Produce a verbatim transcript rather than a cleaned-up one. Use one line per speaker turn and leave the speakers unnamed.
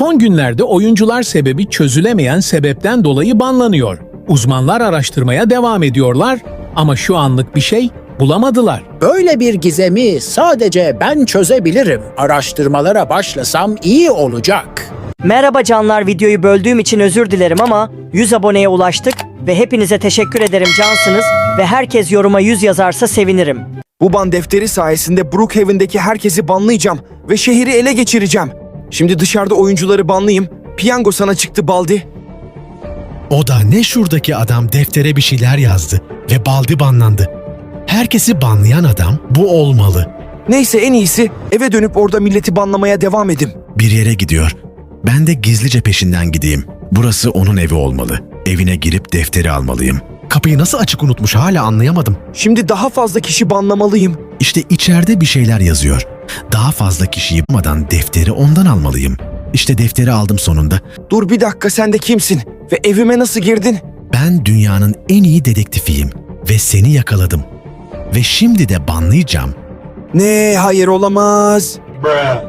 Son günlerde oyuncular sebebi çözülemeyen sebepten dolayı banlanıyor. Uzmanlar araştırmaya devam ediyorlar ama şu anlık bir şey bulamadılar.
Böyle bir gizemi sadece ben çözebilirim. Araştırmalara başlasam iyi olacak.
Merhaba canlar, videoyu böldüğüm için özür dilerim ama yüz aboneye ulaştık ve hepinize teşekkür ederim, cansınız ve herkes yoruma yüz yazarsa sevinirim.
Bu ban defteri sayesinde Brookhaven'deki herkesi banlayacağım ve şehri ele geçireceğim. Şimdi dışarıda oyuncuları banlayayım. Piyango sana çıktı Baldi.
O da ne şuradaki adam deftere bir şeyler yazdı ve Baldi banlandı. Herkesi banlayan adam bu olmalı.
Neyse, en iyisi eve dönüp orada milleti banlamaya devam edim.
Bir yere gidiyor. Ben de gizlice peşinden gideyim. Burası onun evi olmalı. Evine girip defteri almalıyım. Kapıyı nasıl açık unutmuş hala anlayamadım.
Şimdi daha fazla kişi banlamalıyım.
İşte içeride bir şeyler yazıyor. Daha fazla kişiyi bulmadan defteri ondan almalıyım. İşte defteri aldım sonunda.
Dur bir dakika, sen de kimsin? Ve evime nasıl girdin?
Ben dünyanın en iyi dedektifiyim ve seni yakaladım. Ve şimdi de banlayacağım.
Ne? Hayır, olamaz.